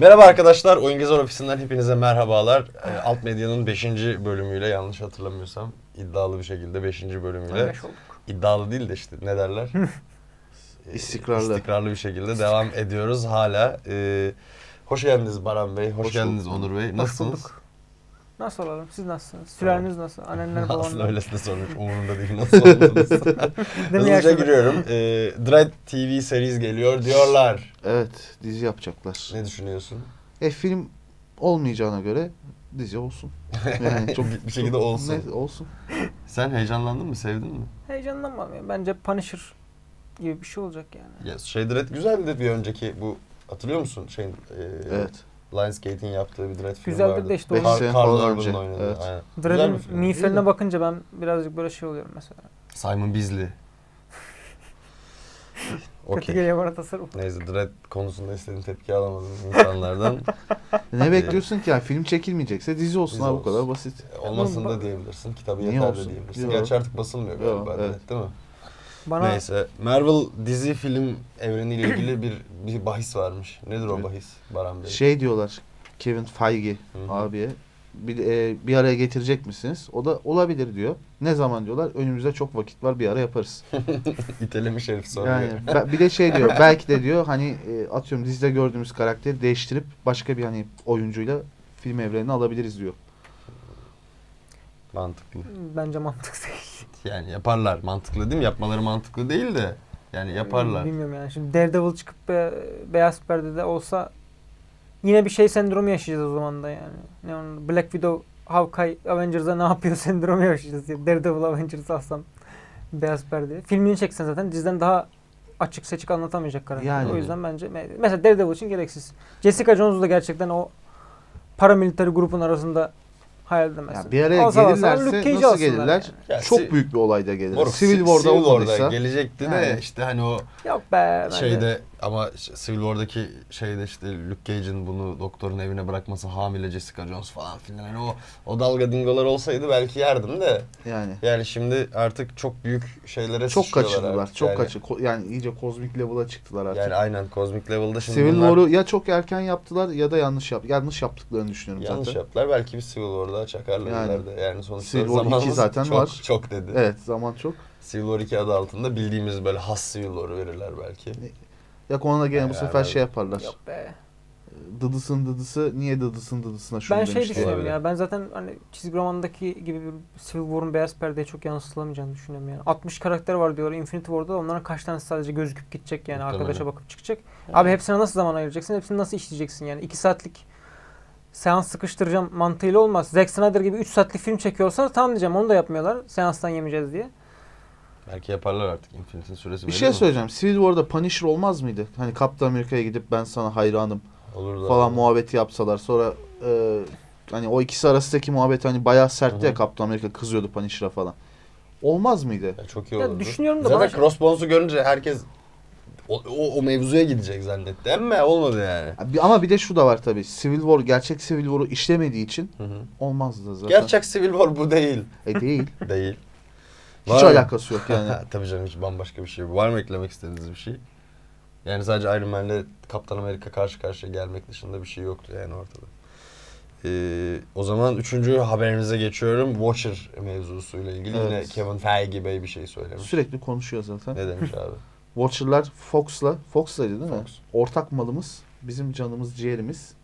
Merhaba arkadaşlar, Oyun Gezer Ofisi'nden hepinize merhabalar. Alt Medya'nın 5. bölümüyle, yanlış hatırlamıyorsam iddialı bir şekilde 5. bölümüyle, iddialı değil de işte ne derler? İstikrarlı bir şekilde devam ediyoruz hala. Hoş geldiniz Baran Bey, hoş geldiniz Onur Bey. Nasılsınız? Nasıl olalım? Siz nasılsınız? Sülaleniz nasıl? Annenler babanlar? Aslında öylesine sormuş, umurumda değil nasıl oldunuz. Hızlıca giriyorum. Dread TV series geliyor diyorlar. Evet, dizi yapacaklar. Ne düşünüyorsun? Film olmayacağına göre dizi olsun. Yani çok bir şekilde olsun. Ne, olsun. Sen heyecanlandın mı, sevdin mi? Heyecanlanmam ya. Bence Punisher gibi bir şey olacak yani. Ya Dread güzeldi bir önceki bu, hatırlıyor musun? Evet. Lionsgate'in yaptığı bir Dread filmi güzeldi vardı. de işte. 5 sene falan önce. Evet. Dread'in miğferine bakınca ben birazcık böyle şey oluyorum mesela. Simon Bisley. Kötü geliyor bana tasarım. Neyse, Dread konusunda istediğim tepki alamadım insanlardan. Ne bekliyorsun ki? Yani film çekilmeyecekse dizi olsun Dizi abi, olsun. bu kadar basit. Olmasın da diyebilirsin. Kitabı Niye yeter olsun? de diyebilirsin. Yok. Gerçi artık basılmıyor galiba. Evet. Değil mi? Neyse. Marvel dizi film evreniyle ilgili bir bahis varmış. Nedir o bahis Baran Bey? Şey diyorlar, Kevin Feige abiye. Bir araya getirecek misiniz? O da olabilir diyor. Ne zaman diyorlar? Önümüzde çok vakit var, bir ara yaparız. İtelemiş herif soruyor. Yani bir de şey diyor, belki de diyor hani atıyorum dizide gördüğümüz karakteri değiştirip başka bir hani oyuncuyla film evrenine alabiliriz diyor. Mantıklı. Bence mantıklı değil. Yani yaparlar. Mantıklı değil mi? Yapmaları mantıklı değil de yani yaparlar. Bilmiyorum yani. Şimdi Daredevil çıkıp beyaz perdede olsa yine bir şey sendromu yaşayacağız o zaman da yani. Ne onun Black Widow, Hawkeye, Avengers'a ne yapıyor sendromu yaşayacağız. Yani Daredevil, Avengers'ı alsam beyaz perdeye. Filmini çeksen zaten diziden daha açık seçik anlatamayacak karakter. Yani. O yüzden bence mesela Daredevil için gereksiz. Jessica Jones'u da gerçekten o paramilitary grubun arasında hayal edemezsin. Yani bir araya gelirlerse nasıl gelirler? Yani. Çok büyük bir olayda gelirler. Moruk, Civil War'da olmadıysa. Gelecekti yani. de işte hani o yok be, şeyde ama Civil War'daki şeyde işte Luke Cage'in bunu doktorun evine bırakması, hamile Jessica Jones falan filan, hani o dalga dingolar olsaydı belki yerdim de. Yani şimdi artık çok büyük şeylere çok kaçırdılar. Artık çok yani. Yani iyice kozmik level'a çıktılar artık. Yani aynen kozmik level'da şimdi Civil War'u ya çok erken yaptılar ya da yanlış yaptıklarını düşünüyorum zaten. Yanlış yaptılar. Belki bir Civil War'da çakarlar ileride. Yani sonuçta Civil War 2 zaten çok, var. çok dedi. Evet, zaman çok. Civil War 2 adı altında bildiğimiz böyle has Civil War'u verirler belki. Ya konuda gene bu sefer şey yaparlar. Yok be. Dıdısın dıdısı niye dıdısın dıdısına şunu ben demişti. Düşünüyorum ya. Ben zaten hani çizgi romandaki gibi bir Civil War'un beyaz perdeye çok yansıtılamayacağını düşünüyorum yani. 60 karakter var diyorlar Infinity War'da. Onların kaç tanesi sadece gözüküp gidecek yani, arkadaşa bakıp çıkacak. Yani. Abi hepsine nasıl zaman ayıracaksın? Hepsini nasıl işleyeceksin yani? 2 saatlik seans sıkıştıracağım mantığıyla olmaz. Zack Snyder gibi 3 saatlik film çekiyorsa tamam diyeceğim, onu da yapmıyorlar. Seanstan yemeyeceğiz diye. Belki yaparlar artık, Infinity'nin süresi. Bir şey söyleyeceğim. Civil War'da Punisher olmaz mıydı? Hani Kaptan Amerika'ya gidip ben sana hayranım olurdu falan abi. Muhabbeti yapsalar. Sonra hani o ikisi arasındaki muhabbet hani bayağı sertti ya, Kaptan Amerika kızıyordu Punisher'a falan. Olmaz mıydı? Ya çok iyi olurdu. Düşünüyorum da zaten Crossbones'u görünce herkes o mevzuya gidecek zannetti. Ama olmadı yani. Ama bir de şu da var tabii. Civil War, gerçek Civil War'u işlemediği için olmazdı zaten. Gerçek Civil War bu değil. Değil. Değil. Hiç alakası yok yani. Tabii canım, hiç bambaşka bir şey. Var mı eklemek istediğiniz bir şey? Yani sadece Iron Man'le Kaptan Amerika karşı karşıya gelmek dışında bir şey yoktu yani ortada. O zaman 3. haberimize geçiyorum. Watcher mevzusuyla ilgili yine Kevin Feige Bey bir şey söylemiş. Sürekli konuşuyor zaten. Ne demiş abi? Watcher'lar Fox'laydı değil mi? Ortak malımız, bizim canımız, ciğerimiz.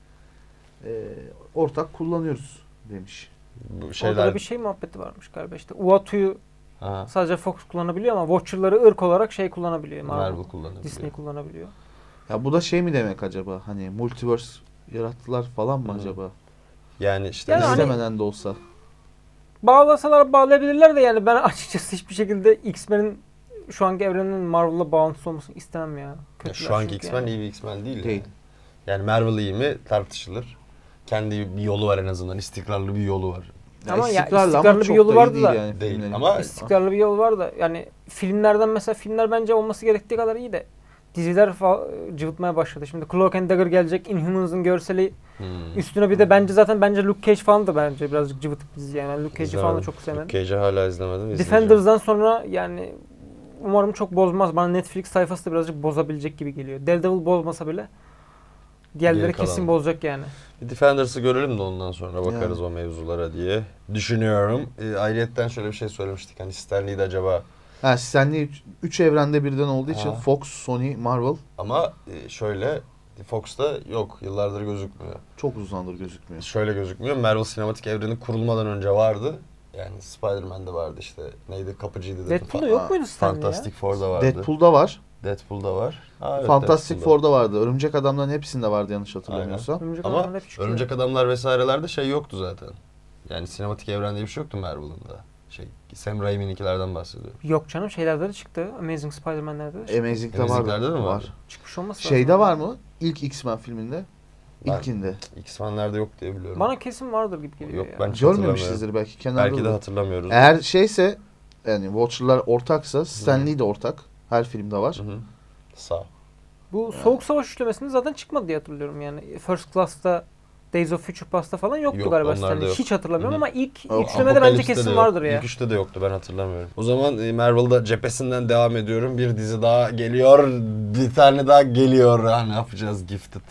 Ortak kullanıyoruz demiş. Bu şeyler... Orada da bir şey muhabbeti varmış galiba işte. Uatu'yu sadece Fox kullanabiliyor ama Watcher'ları ırk olarak şey kullanabiliyor. Marvel kullanabiliyor. Disney kullanabiliyor. Ya bu da şey mi demek acaba? Hani multiverse yarattılar falan mı acaba? Yani işte istemeden hani, de olsa. Bağlasalar bağlayabilirler de yani ben açıkçası hiçbir şekilde X-Men'in şu anki evrenin Marvel'la bağlantısı olmasını istemem ya. Şu anki X-Men yani. İyi bir X-Men değil. Değil. Yani Marvel iyi mi tartışılır. Kendi bir yolu var en azından. İstikrarlı bir yolu var. Ama istikrarlı bir yolu vardı da. Yani değil. Ama istikrarlı bir yol var da yani filmlerden mesela filmler bence olması gerektiği kadar iyi de diziler cıvıtmaya başladı. Şimdi Cloak and Dagger gelecek, Inhumans'ın görseli üstüne bir de bence Luke Cage falan da bence birazcık cıvıtık dizi yani. Ben Luke Cage'i falan da çok sevmedim. Luke Cage'i hala izlemedim. Defenders'dan sonra yani umarım çok bozmaz. Bana Netflix sayfası da birazcık bozabilecek gibi geliyor. Daredevil bozmasa bile Diğerleri Geri kesin kalan. bozacak yani. Bir Defenders'ı görelim de ondan sonra bakarız o mevzulara diye düşünüyorum. Ayrıyetten şöyle bir şey söylemiştik. Hani Stan Lee'de acaba... Ha, Stanley 3 evrende birden olduğu için Ha. Fox, Sony, Marvel Ama şöyle Fox'ta yok. Yıllardır gözükmüyor. çok uzundur gözükmüyor. Şöyle gözükmüyor. Marvel sinematik evreni kurulmadan önce vardı. Yani Spider-Man'de vardı işte. Neydi? Kapıcıydı dedim. Deadpool'da yok muydu Stan Lee ya? Fantastic Four'da vardı. Deadpool'da var. Deadpool'da var. Ha, evet, Fantastic Deadpool'da. Four'da vardı. Örümcek Adamların hepsinde vardı yanlış hatırlamıyorsam. Örümcek Ama Adamlar hep çıkıyor. Örümcek Adamlar vesairelerde şey yoktu zaten. Yani sinematik evrende bir şey yoktu Marvel'ın da. Sam Raimi'ninkilerden bahsediyorum. Yok canım, şeylerde de çıktı. Amazing Spider-Man'lerde de çıktı. Amazing'de Amazing'lerde vardı. de mi var. var? Çıkmış olması lazım. Şeyde var mı? İlk X-Men filminde. Ben- İlkinde. X-Men'lerde yok diye biliyorum. Bana kesin vardır gibi geliyor Yok, ya. ben hiç hatırlamıyorum. Görmemişizdir belki kenarda. Belki de olur. hatırlamıyoruz. Eğer şeyse yani Watcher'lar ortaksa Stan Lee de ortak. Her filmde var. Hı hı. Sağ. Bu Soğuk Savaş üçlemesinde zaten çıkmadı diye hatırlıyorum yani. First Class'ta, Days of Future Past'ta falan yoktu Yok, galiba onlarda Stanley. yok. Hiç hatırlamıyorum Hı hı. ama ilk Yok, üçlemede bence Apocalypse'de de kesin yok. vardır ya. İlk üçte de yoktu, ben hatırlamıyorum. O zaman Marvel'da cephesinden devam ediyorum. Bir dizi daha geliyor. Bir tane daha geliyor. Ha, ne yapacağız? Gifted.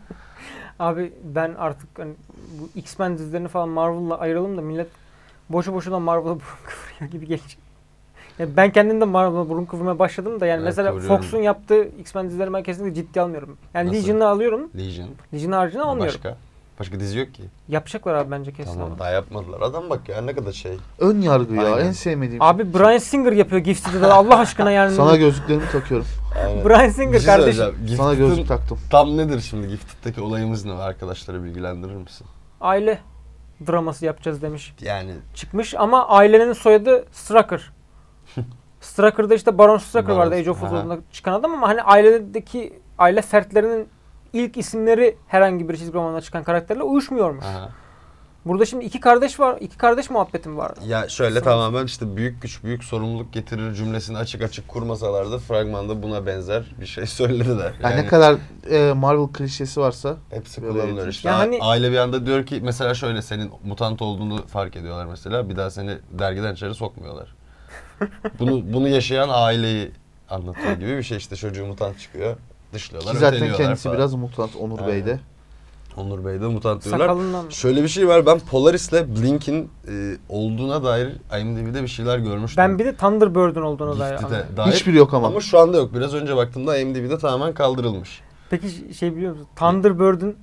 Abi ben artık hani bu X-Men dizilerini falan Marvel'la ayıralım da millet boşu boşuna Marvel'a burun kıvırıyor gibi gelecek. Yani ben kendim de Marvel'a burun kıvırmaya başladım da yani Evet, mesela kıvırıyorum. Fox'un yaptığı X-Men dizilerini ben kesinlikle ciddiye almıyorum. Yani Nasıl? Legion'ı alıyorum. Legion. Legion haricinde almıyorum. Başka dizi yok ki. Yapacaklar abi bence kesin Tamam, ama. daha yapmadılar. Adam bak ya ne kadar şey. Ön yargı ya. Aynen. En sevmediğim. Abi Bryan Singer yapıyor Gifted'ı da Allah aşkına yani. Sana gözlüklerimi takıyorum. Aynen. Bryan Bir Singer şey kardeşim. söyleyeceğim. Sana Gifted'ın gözlük taktım. tam nedir şimdi? Gifted'daki olayımız ne? Arkadaşları bilgilendirir misin? Aile draması yapacağız demiş. Yani Çıkmış ama ailenin soyadı Strucker. Strucker'da işte Baron Strucker Baron, vardı Age of aha. Ultron'da çıkan adam ama hani ailedeki aile fertlerinin ilk isimleri herhangi bir çizgi romanına çıkan karakterle uyuşmuyormuş. aha. Burada şimdi iki kardeş var. İki kardeş muhabbetim var. Ya şöyle Sanat. tamamen işte büyük güç büyük sorumluluk getirir cümlesini açık açık kurmasalar da fragmanda buna benzer bir şey söylediler. Yani ne kadar Marvel klişesi varsa hepsi böyle kullanılıyor eğitim. işte. Ya hani- Aile bir anda diyor ki mesela şöyle senin mutant olduğunu fark ediyorlar mesela. Bir daha seni dergiden içeri sokmuyorlar. Bunu yaşayan aileyi anlatıyor gibi bir şey işte çocuğu mutant çıkıyor. Dışlıyorlar, ki zaten öteliyorlar kendisi falan. biraz mutant Onur Aynen. Bey'de. Onur Bey de mutant diyorlar. Sakalından. Şöyle bir şey var, ben Polaris'le Blink'in olduğuna dair IMDb'de bir şeyler görmüştüm. Ben bir de Thunderbird'ün olduğunu dair Gifted'e anladım. dair. Hiçbiri yok ama. Ama şu anda yok. Biraz önce baktığımda IMDb'de tamamen kaldırılmış. Peki şey biliyor musun? Thunderbird'ün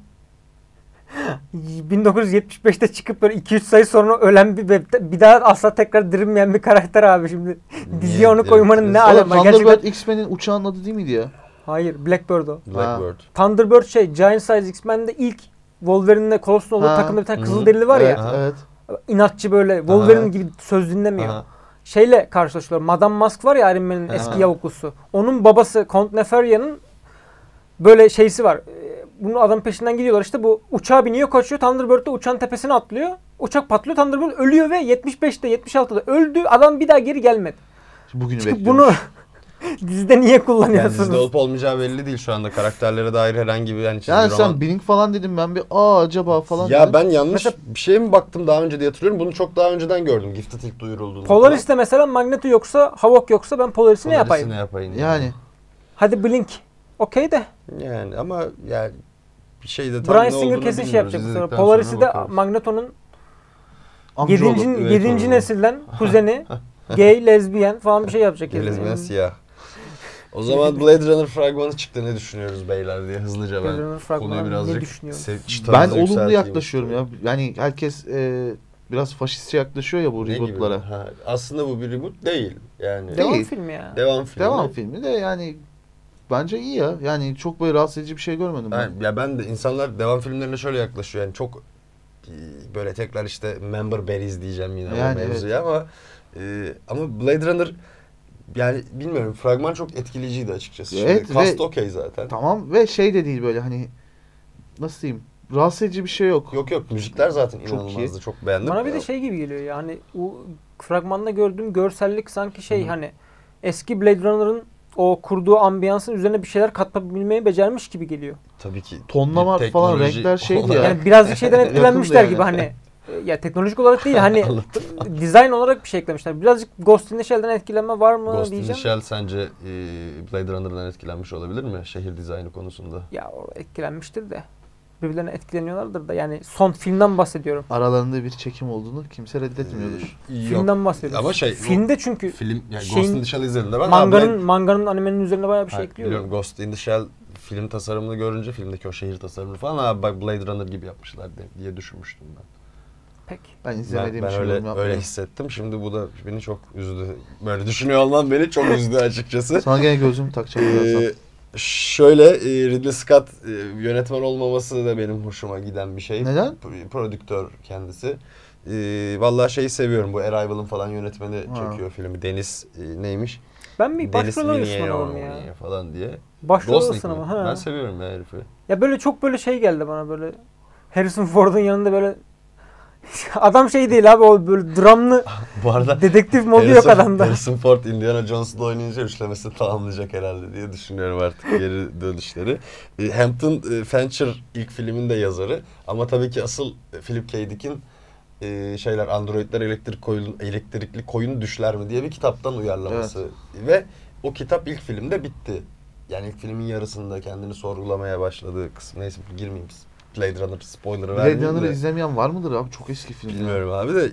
1975'te çıkıp böyle 2-3 sayı sonra ölen bir daha asla tekrar dirilmeyen bir karakter abi şimdi. Diziye onu koymanın ne Oğlum, alemi? Thunderbird Gerçekten... X-Men'in uçağın adı değil miydi ya? Hayır, Blackbird o. Blackbird. Thunderbird Giant Size X-Men'de ilk Wolverine'le Colossus'un olduğu Ha. takımda bir tane Hı. Kızılderili var Evet, ya. evet. İnatçı böyle Wolverine Aha. gibi söz dinlemiyor. Aha. Şeyle karşılaşıyorlar. Madame Mask var ya Iron Man'in Aha. eski yavuklusu. Onun babası Count Neferia'nın böyle şeysi var. Bunun adam peşinden gidiyorlar. İşte bu uçağa biniyor, kaçıyor. Thunderbird de uçağın tepesine atlıyor. Uçak patlıyor. Thunderbird ölüyor ve 75'te 76'da öldü. Adam bir daha geri gelmedi. Bugünü Çünkü bekliyormuş. bunu dizide niye Yani kullanıyorsunuz? dizide olup olmayacağı belli değil şu anda. Karakterlere dair herhangi bir çizgi Yani roman. sen Blink falan dedim ben bir acaba falan Ya dedim. ben yanlış Mesela- bir şeye mi baktım daha önce diye hatırlıyorum. Bunu çok daha önceden gördüm. Gifted ilk duyurulduğunda. Polaris'te mesela Magneto yoksa, Havok yoksa ben Polaris'i ne yapayım? Ne yapayım? Yani Hadi Blink. Okey de. Yani ama yani bir şey de tam Bryan ne Singer olduğunu kesin şey bilmiyoruz. yapacak. İzledikten Sonra Polaris'i sonra de bakarız. Magneto'nun amcaoğlu. 7. evet, 7. doğru. nesilden kuzeni, gay, lezbiyen falan bir şey yapacak. Gelizmen siyah. O zaman Blade Runner fragmanı çıktı. Ne düşünüyoruz beyler diye hızlıca Blade ben Runner fragmanı konuyu ne birazcık düşünüyorsun? Ben olumlu yaklaşıyorum ya. Yani herkes biraz faşistçe yaklaşıyor ya bu Ne gibi? rebootlara. Ha, aslında bu bir reboot değil. Yani Devam Değil. filmi ya. devam filmi. Devam filmi de yani bence iyi ya. Yani çok böyle rahatsız edici bir şey görmedim ben. Ben de insanlar devam filmlerine şöyle yaklaşıyor. Yani çok böyle tekrar işte member berries diyeceğim yine Yani o mevzuya ama Blade Runner yani bilmiyorum fragman çok etkileyiciydi açıkçası. Evet, Şimdi cast ve- okey zaten. Tamam ve şey de değil böyle hani nasıl diyeyim rahatsız edici bir şey yok. Yok müzikler zaten Çok inanılmazdı. iyi. Çok beğendim. Bana bir de şey gibi geliyor yani o fragmanda gördüğüm görsellik sanki şey hani eski Blade Runner'ın o kurduğu ambiyansın üzerine bir şeyler katabilmeyi becermiş gibi geliyor. Tabii ki. Tonlama bir falan teknoloji renkler şeydi olarak- ya. Yani birazcık şeyden etkilenmişler yani. gibi hani Ya teknolojik olarak değil hani dizayn olarak bir şey eklemişler. Birazcık Ghost in the Shell'den etkilenme var mı Ghost in the diyeceğim. Shell sence Blade Runner'dan etkilenmiş olabilir mi şehir dizaynı konusunda? Ya o etkilenmiştir de. Birbirlerine etkileniyorlardır da yani son filmden bahsediyorum. Aralarında bir çekim olduğunu kimse reddetmiyordur. Filmden bahsediyoruz. Ama filmde çünkü film yani şeyin- Ghost in the Shell izlediğimde ben manganın animenin üzerine bayağı bir şey Hayır, ekliyor. biliyorum Ghost in the Shell film tasarımını görünce filmdeki o şehir tasarımını falan bak Blade Runner gibi yapmışlar diye düşünmüştüm ben. Peki. Ben izlemediğim Ben için yorum öyle yapmıyorum. hissettim. Şimdi bu da beni çok üzdü. Böyle düşünüyor olmam beni çok üzdü açıkçası. Sana gene gözümü takacağım birazdan. Şöyle Ridley Scott yönetmen olmaması da benim hoşuma giden bir şey. Neden? Prodüktör kendisi. Vallahi şeyi seviyorum. Bu Arrival'ın falan yönetmeni Ha. çekiyor filmi. Deniz neymiş? Ben bir Deniz başrol arıyorsun adamım ya. Villeneuve falan diye. Başrol Gosling arıyorsun mi? ama. Ha. Ben seviyorum ya herifi. Ya böyle çok böyle şey geldi bana böyle. Harrison Ford'un yanında böyle adam şey değil abi o böyle dramlı Bu arada dedektif modu yok adamda. Harrison Ford Indiana Jones'la oynayınca üçlemesini tamamlayacak herhalde diye düşünüyorum artık geri dönüşleri. Hampton Fancher ilk filmin de yazarı ama tabii ki asıl Philip K. Dick'in şeyler androidler elektrikli koyun düşler mi diye bir kitaptan uyarlaması ve o kitap ilk filmde bitti. Yani ilk filmin yarısında kendini sorgulamaya başladığı kısım. Neyse girmeyeyim biz. Blade Runner spoiler'ı vermeyeyim Blade Runner'ı de. izlemeyen var mıdır abi? Çok eski film. Bilmiyorum abi de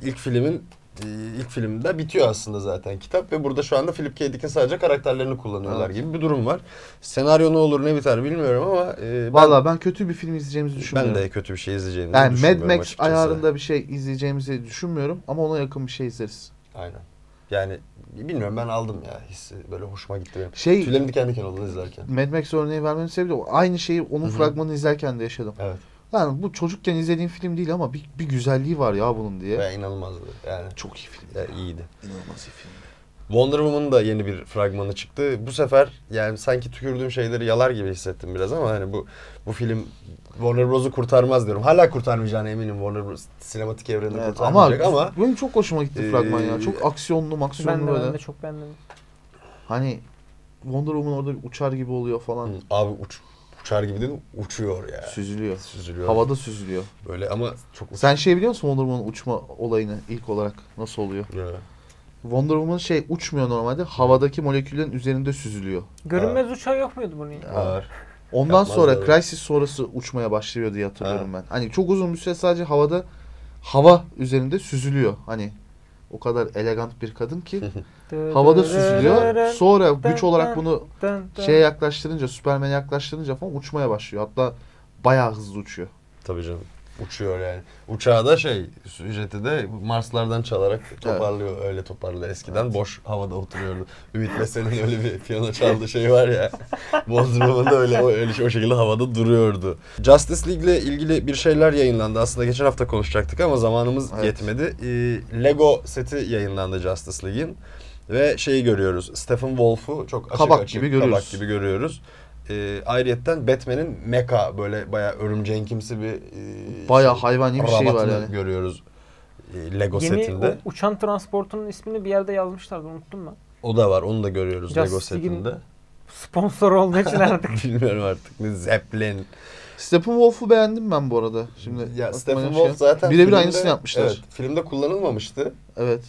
ilk filmde bitiyor aslında zaten kitap ve burada şu anda Philip K. Dick'in sadece karakterlerini kullanıyorlar gibi bir durum var. Senaryo ne olur ne biter bilmiyorum ama Valla ben kötü bir film izleyeceğimizi ben düşünmüyorum. de kötü bir şey izleyeceğimizi Yani Mad düşünmüyorum Max açıkçası. ayarında bir şey izleyeceğimizi düşünmüyorum ama ona yakın bir şey izleriz. Aynen. Yani bilmiyorum ben aldım ya hissi böyle hoşuma gitti benim. Şey Tüylerim diken diken oldu izlerken. Mad Max örneği vermemin sebebi de o. Aynı şeyi onun Hı hı. fragmanını izlerken de yaşadım. Evet. Yani bu çocukken izlediğim film değil ama bir güzelliği var ya bunun diye. Ve inanılmazdı yani. Çok iyi film. Ya, iyiydi. İnanılmaz iyi film. Wonder Woman'ın da yeni bir fragmanı çıktı. Bu sefer yani sanki tükürdüğüm şeyleri yalar gibi hissettim biraz ama hani bu film Warner Bros'u kurtarmaz diyorum. Hala kurtarmayacağına eminim Warner Bros. Sinematik evrenini Evet, kurtarmayacak ama benim çok hoşuma gitti fragman ya. Çok aksiyonlu Ben böyle. de çok beğendim. Hani Wonder Woman orada bir uçar gibi oluyor falan. abi uçar gibi değil uçuyor ya. Süzülüyor. Süzülüyor. Havada süzülüyor. Böyle ama çok Sen şey biliyor musun Wonder Woman'ın uçma olayını ilk olarak nasıl oluyor? Ya. Wonder Woman uçmuyor normalde. Havadaki moleküllerin üzerinde süzülüyor. Görünmez uçağı yok muydu bunun? Var. Ondan Yapmaz sonra tabii. Crisis sonrası uçmaya başlıyor diye hatırlıyorum ben. Hani çok uzun bir süre sadece hava üzerinde süzülüyor. Hani o kadar elegant bir kadın ki havada süzülüyor. Sonra güç olarak bunu şeye yaklaştırınca, Superman'e yaklaştırınca falan uçmaya başlıyor. Hatta bayağı hızlı uçuyor. Tabii canım. Uçuyor yani. Uçağı da ücreti de Marslardan çalarak toparlıyor. Öyle toparlıyor eskiden. Evet. Boş havada oturuyordu. Ümit Besen'in öyle bir piyano çaldığı şey var ya. Wonder Woman'da öyle o şekilde havada duruyordu. Justice League ile ilgili bir şeyler yayınlandı. Aslında geçen hafta konuşacaktık ama zamanımız yetmedi. Lego seti yayınlandı Justice League'in. Ve şeyi görüyoruz. Stephen Wolf'u çok Kabak gibi görüyoruz. Ayrıyetten Batman'in mecha böyle bayağı örümceğinkimsi bir bayağı hayvani bir şey var rabatını yani. görüyoruz Lego Yeni setinde. o uçan transportunun ismini bir yerde yazmışlardı unuttum ben. O da var. Onu da görüyoruz Justice Lego setinde. Sponsor olduğu için artık. Bilmiyorum artık. Ne Zeppelin. Stephen Wolf'u beğendim ben bu arada. Şimdi Ya aklıma Stephen şey- Wolf zaten birebir filmde- aynısını yapmışlar. Evet, filmde kullanılmamıştı. Evet.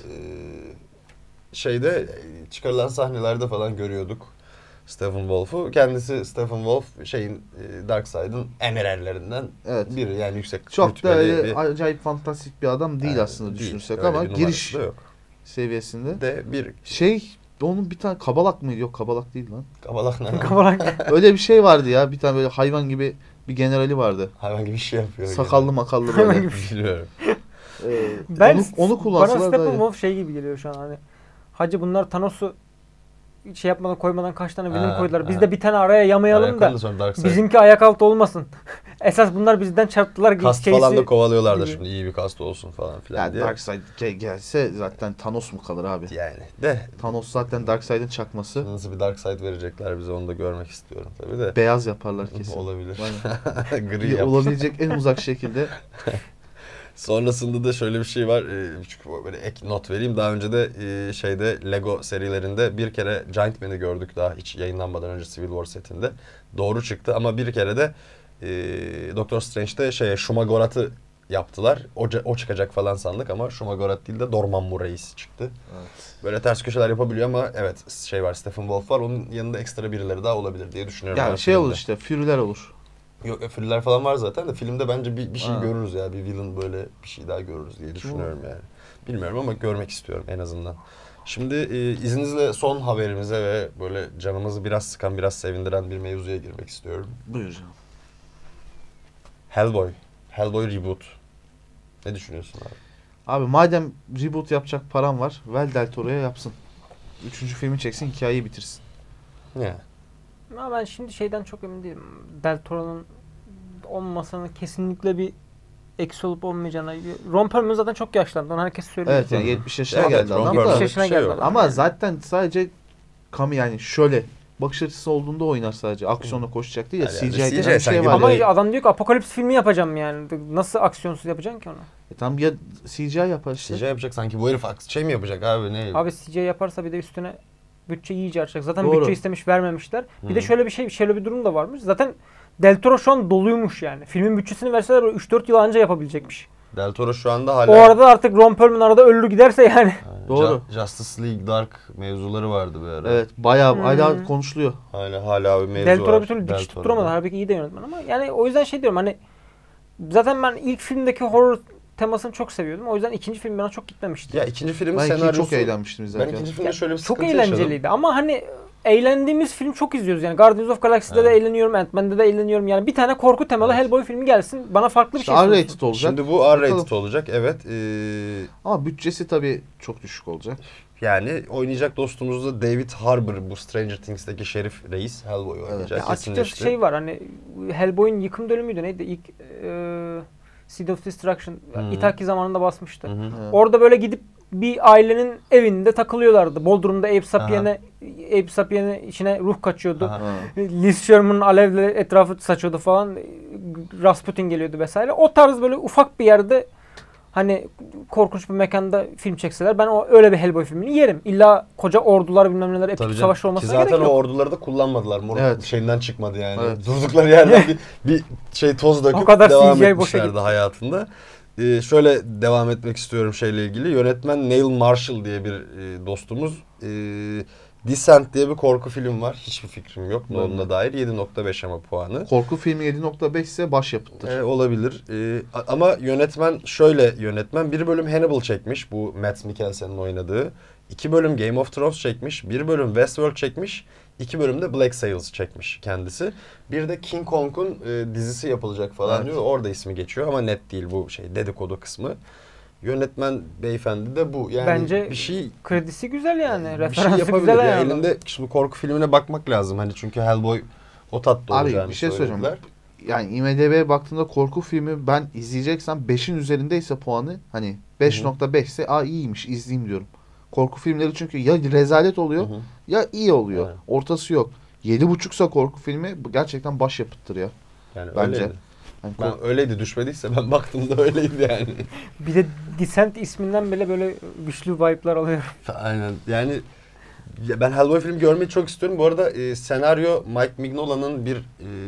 Çıkarılan sahnelerde falan görüyorduk Stephen Wolf'u. Kendisi Stephen Wolf Darkseid'in emirerlerinden Evet. biri yani yüksek Çok da rütbeli öyle bir acayip fantastik bir adam değil aslında değil. düşünürsek Öyle ama bir numarası giriş da yok. seviyesinde. De bir Onun bir tane kabalak mıydı? Yok kabalak değil lan. kabalak ne? Kabalak. Öyle bir şey vardı ya. Bir tane böyle hayvan gibi bir generali vardı. Hayvan gibi bir şey yapıyor. Sakallı makallı Hayvan böyle. gibi. Bilmiyorum. Ben onu bana kullansalar Stephen da iyi. Wolf şey gibi geliyor şu an hani. Hacı bunlar Thanos'u şey yapmadan koymadan kaç tane villain koydular. Biz de bir tane araya yamayalım da Sonra Darkseid. bizimki ayak altı olmasın. Esas bunlar bizden çarptılar. Kast case'i- falan da kovalıyorlar da gibi. şimdi iyi bir kast olsun falan filan Yani diye. Darkseid gelse zaten Thanos mu kalır abi? Yani de Thanos zaten Darkseid'in çakması. nasıl bir Darkseid verecekler bize onu da görmek istiyorum tabii de. Beyaz yaparlar kesin. Olabilir. Aynen. Gri yap. Olabilecek en uzak şekilde. Sonrasında da şöyle bir şey var. Küçük böyle ek not vereyim. Daha önce de Lego serilerinde bir kere Giant Man'i gördük daha hiç yayınlanmadan önce Civil War setinde. Doğru çıktı ama bir kere de Doctor Strange'de Shumagorat'ı yaptılar. O çıkacak falan sandık ama Shumagorat değil de Dormammu Reis çıktı. Evet. Böyle ters köşeler yapabiliyor ama evet şey var, Stephen Wolf var. Onun yanında ekstra birileri daha olabilir diye düşünüyorum. Yani şey olur işte, Fury'ler olur. Yok, Fury'ler falan var zaten de filmde bence bir şey Ha. görürüz ya. Bir villain, böyle bir şey daha görürüz diye düşünüyorum yani. Bilmiyorum ama görmek istiyorum en azından. Şimdi izninizle son haberimize ve böyle canımızı biraz sıkan, biraz sevindiren bir mevzuya girmek istiyorum. Buyur canım. Hellboy reboot. Ne düşünüyorsun abi? Abi madem reboot yapacak param var, ver Del Toro'ya yapsın. 3. filmi çeksin, hikayeyi bitirsin. Ya. Ama ben şimdi şeyden çok emin değilim. Del Toro'nun olmamasının kesinlikle bir eksi olup olmayacağına. Ron Perlman zaten çok yaşlandı. Onu herkes söylüyor. Evet yani 70 yaşına Evet, geldi Ron adam Perlman da. 70 yaşına bir şey geldi yok. adam. Ama Yani. zaten sadece yani şöyle bakış açısı olduğunda oynar sadece. Aksiyonla koşacak değil ya. Yani CGI denen CGI bir şey sanki var. Ama böyle- adam diyor ki apokalips filmi yapacağım yani. Nasıl aksiyonsuz yapacaksın ki onu? Tam ya CGI yapar işte. CGI yapacak sanki, bu herif şey mi yapacak abi, ne? Abi CGI yaparsa bir de üstüne bütçe iyice artacak. Zaten Doğru. bütçe istemiş, vermemişler. Bir de Hı. şöyle bir durum da varmış. Zaten Del Toro şu an doluymuş yani. Filmin bütçesini verseler böyle 3-4 yıl anca yapabilecekmiş. Del Toro şu anda hala... O arada artık Ron Perlman arada ölür giderse yani. Doğru. Justice League Dark mevzuları vardı bir ara. Evet bayağı Hmm. hala konuşuluyor. Hala bir mevzu Del Toro var. bir türlü Del dikiş Toro'da. tutturamadı. Halbuki iyi de yönetmen ama yani o yüzden şey diyorum hani zaten ben ilk filmdeki horror temasını çok seviyordum. O yüzden ikinci film bana çok gitmemişti. Ya ikinci filmin Ben ikiyi senaryosu... çok eğlenmiştim Ben izlerken. ikinci filmde Ya, şöyle bir çok sıkıntı yaşadım. eğlenceliydi ama hani eğlendiğimiz film çok izliyoruz yani. Guardians of Galaxy'de de Evet. eğleniyorum, Ant-Man'de de eğleniyorum. Yani bir tane korku temalı Evet. Hellboy filmi gelsin. Bana farklı bir İşte şey sunsun. R-rated olacak. Şimdi bu R-rated Bakalım. olacak, evet. Ama bütçesi tabii çok düşük olacak. Yani oynayacak dostumuz da David Harbour, bu Stranger Things'teki Şerif Reis Hellboy oynayacak. Ya açıkçası kesinleşti. şey var hani Hellboy'un yıkım dönümüydü neydi? İlk Seed of Destruction Hı. Itaki zamanında basmıştı. Hı hı. Evet. Orada böyle gidip bir ailenin evinde takılıyorlardı. Bodrum'da Abe Sapien'e içine ruh kaçıyordu. Aha. Ha. Liz Sherman alevle etrafı saçıyordu falan. Rasputin geliyordu vesaire. O tarz böyle ufak bir yerde hani korkunç bir mekanda film çekseler ben öyle bir Hellboy filmini yerim. İlla koca ordular bilmem neler epik Tabii canım. savaş Ki olmasına zaten gerek o yok. orduları da kullanmadılar. Moruk Evet. şeyinden çıkmadı yani. Evet. Durdukları yerden bir şey toz döküp O kadar devam CGI boşa etmişlerdi gitti. hayatında. Şöyle devam etmek istiyorum şeyle ilgili. Yönetmen Neil Marshall diye bir dostumuz. Descent diye bir korku film var. Hiçbir fikrim yok. Ben Onunla dair 7.5 ama puanı. Korku filmi 7.5 ise başyapıttır. Olabilir. Ama yönetmen şöyle yönetmen. Bir bölüm Hannibal çekmiş. Bu Mads Mikkelsen'in oynadığı. 2 bölüm Game of Thrones çekmiş. 1 bölüm Westworld çekmiş. 2 bölüm de Black Sails çekmiş kendisi. Bir de King Kong'un dizisi yapılacak falan Evet. diyor. Orada ismi geçiyor ama net değil bu şey dedikodu kısmı. Yönetmen beyefendi de bu. Yani Bence bir şey kredisi güzel yani. bir şey Referansı yapabilir. güzel Ya. yani. Elinde şimdi korku filmine bakmak lazım. Hani çünkü Hellboy o tatta Abi, olacağını bir şey söyleyeceğim. söylediler. Yani IMDb'ye baktığında korku filmi ben izleyeceksem 5'in üzerindeyse puanı hani 5.5 ise iyiymiş izleyeyim diyorum. Korku filmleri çünkü ya rezalet oluyor Hı hı. ya iyi oluyor. Evet. Ortası yok. 7.5'sa korku filmi bu gerçekten başyapıttır ya. Yani Bence. öyleydi. Yani Ben öyleydi, düşmediyse ben baktığımda öyleydi yani. Bir de Descent isminden bile böyle güçlü vibe'lar alıyorum. Aynen yani ya ben Hellboy filmi görmeyi çok istiyorum. Bu arada senaryo Mike Mignola'nın bir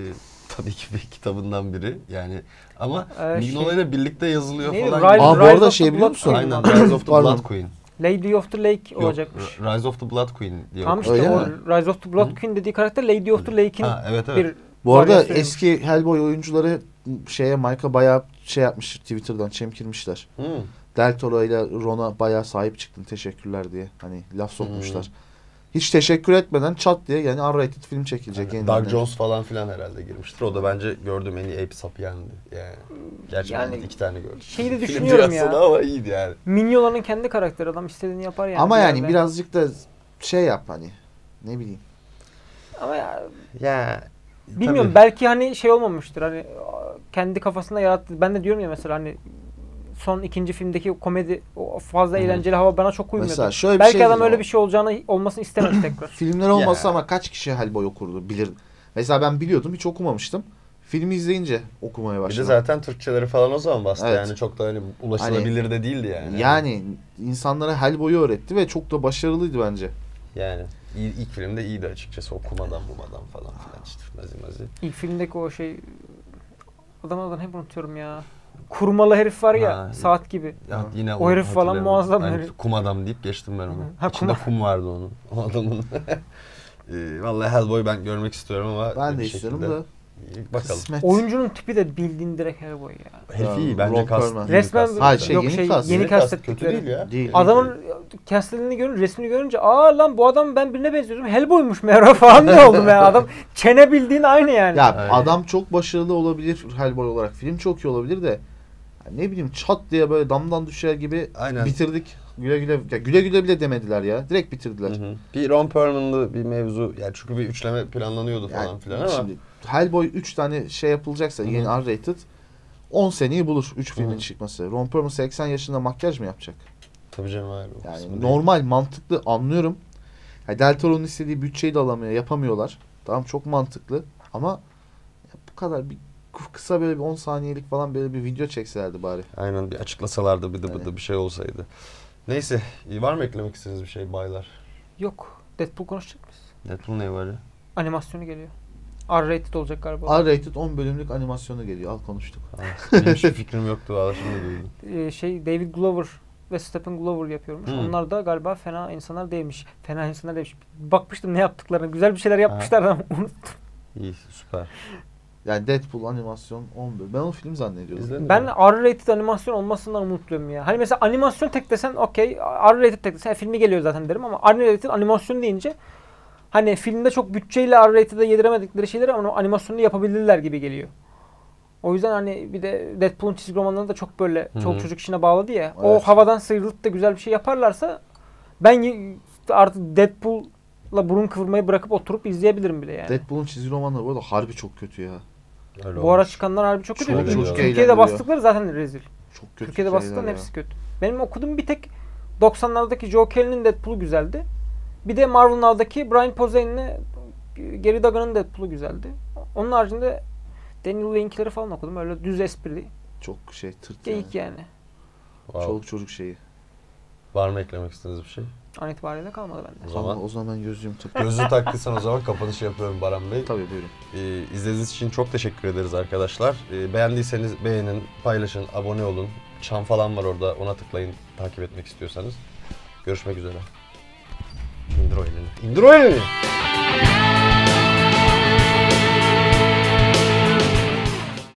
tabii ki bir kitabından biri yani ama Mignola ile birlikte yazılıyor Neydi? falan. Rise- bu Rise arada of şey the biliyor Blood musun? Queen Aynen mi? Rise of the Pardon. Blood Queen. Lady of the Lake Yok, olacakmış. Rise of the Blood Queen diye Tamam okuyorum. işte Öyle o mi? Rise of the Blood Hı. Queen dediği karakter Lady of the Lake'in Ha, evet. bir Bu arada varyasyonuymuş. eski Hellboy oyuncuları Mike'a bayağı şey yapmış Twitter'dan çemkirmişler. Hı. Del Toro ile Ron'a bayağı sahip çıktın teşekkürler diye. Hani laf sokmuşlar. Hiç teşekkür etmeden çat diye yani R-rated film çekilecek. Yani yeniden. Doug Jones falan filan herhalde girmiştir. O da bence gördüğüm en iyi Ape Sapien'di. Yani. Gerçi Yani ben 2 tane gördüm. şeyi de Film düşünüyorum dünyasında ya. ama iyiydi yani. Mignola'nın kendi karakteri adam istediğini yapar yani. Ama bir yani yerde. birazcık da şey yap hani ne bileyim. Ama ya Ya bilmiyorum tabii. belki hani şey olmamıştır hani kendi kafasında yarattı. Ben de diyorum ya mesela hani son ikinci filmdeki komedi o fazla Hı hı. eğlenceli hava bana çok uymuyordu. Mesela şöyle bir Belki şey adam diyeceğim öyle ama. bir şey olmasını istemedi tekrar. Filmler olmasa Ya. ama kaç kişi Hellboy okurdu bilir. Mesela ben biliyordum hiç okumamıştım. Filmi izleyince okumaya Bir de başladım. zaten Türkçeleri falan o zaman bastı Evet. yani çok da hani ulaşılabilir de değildi yani. Yani insanlara Hellboy'u öğretti ve çok da başarılıydı bence. Yani ilk filmde iyiydi açıkçası, okumadan bumadan falan filan işte mazi. İlk filmdeki o şey adamın adını hep unutuyorum ya. kurmalı herif var ya Ha, saat gibi. Ya yine O herif falan hatırlayamadım. muazzam Hani herif. kum adam deyip geçtim ben onu. Ha, İçinde kum vardı onun. O adamın. Vallahi Hellboy ben görmek istiyorum ama Ben de bir istiyorum şekilde. da. Bakalım. Kısmet. Oyuncunun tipi de bildiğin direkt Hellboy ya. Herif iyi Ya, bence Ron kast. Perlman. Resmen Hayır, yok yeni cast. yeni Yeni cast kastettikleri. kötü değil ya. Değil. Adamın castlediğini görünce, resmini görünce lan bu adam ben birine benziyorum. Hellboy'muş meğer falan diye oldum ya. Adam çene bildiğin aynı yani. Ya Aynen. adam çok başarılı olabilir Hellboy olarak. Film çok iyi olabilir de ya ne bileyim çat diye böyle damdan düşer gibi Aynen. bitirdik. Güle güle, ya güle güle bile demediler ya. Direkt bitirdiler. Hı hı. Bir Ron Perlman'lı bir mevzu. Yani çünkü bir üçleme planlanıyordu falan Yani filan ama. şimdi Hellboy 3 tane şey yapılacaksa yeni R-rated 10 seneyi bulur 3 filmin çıkması. Ron Perlman 80 yaşında makyaj mı yapacak? Tabii canım hayır. o Yani kısmı değil. normal, mantıklı anlıyorum. Ya Del Toro'nun istediği bütçeyi de alamıyor, yapamıyorlar. Tamam çok mantıklı ama ya bu kadar bir kısa böyle bir 10 saniyelik falan böyle bir video çekselerdi bari. Aynen bir açıklasalardı bir de Yani. bir şey olsaydı. Neyse var mı eklemek istediğiniz bir şey baylar? Yok. Deadpool konuşacak mıyız? Deadpool ne var ya? Animasyonu geliyor. R-rated olacak galiba. R-rated 10 bölümlük animasyonu geliyor. Al konuştuk. Benim hiçbir fikrim yoktu valla şimdi duydum. David Glover ve Stephen Glover yapıyormuş. Hı. Onlar da galiba fena insanlar değilmiş. Fena insanlar değilmiş. Bakmıştım ne yaptıklarını. Güzel bir şeyler yapmışlar ama unuttum. İyi süper. Yani Deadpool animasyon 10 bölüm. Ben o film zannediyordum. İzledim. Ben R-rated animasyon olmasından umutluyum ya. Hani mesela animasyon tek desen okey. R-rated tek desen filmi geliyor zaten derim ama R-rated animasyon deyince hani filmde çok bütçeyle R-rated'e yediremedikleri şeyleri ama animasyonda yapabilirler gibi geliyor. O yüzden hani bir de Deadpool'un çizgi romanlarını da çok böyle çoluk çocuk işine bağladı ya. O Evet. havadan sıyrılıp da güzel bir şey yaparlarsa ben artık Deadpool'la burun kıvırmayı bırakıp oturup izleyebilirim bile yani. Deadpool'un çizgi romanları bu arada harbi çok kötü ya. Öyle Bu ara olmuş. çıkanlar harbi çok kötü. Çok Türkiye'de eğlendiriyor. bastıkları zaten rezil. Çok kötü Türkiye'de şeyler bastıkların ya. hepsi kötü. Benim okuduğum bir tek 90'lardaki Joe Kelly'nin Deadpool'u güzeldi. Bir de Marvel Now'daki Brian Posehn'le Gary Duggan'ın Deadpool'u güzeldi. Onun haricinde Daniel Link'leri falan okudum. Öyle düz esprili. Çok şey tırt yani. Geyik yani. Wow. Çoluk çocuk şeyi. Var mı eklemek istediğiniz bir şey? An itibariyle kalmadı bende. O zaman O zaman ben gözlüğümü gözü taktıysan o zaman kapanışı yapıyorum Baran Bey. Tabii buyurun. İzlediğiniz için çok teşekkür ederiz arkadaşlar. Beğendiyseniz beğenin, paylaşın, abone olun. Çan falan var orada ona tıklayın takip etmek istiyorsanız. Görüşmek üzere. İndir o elini. İndir o elini!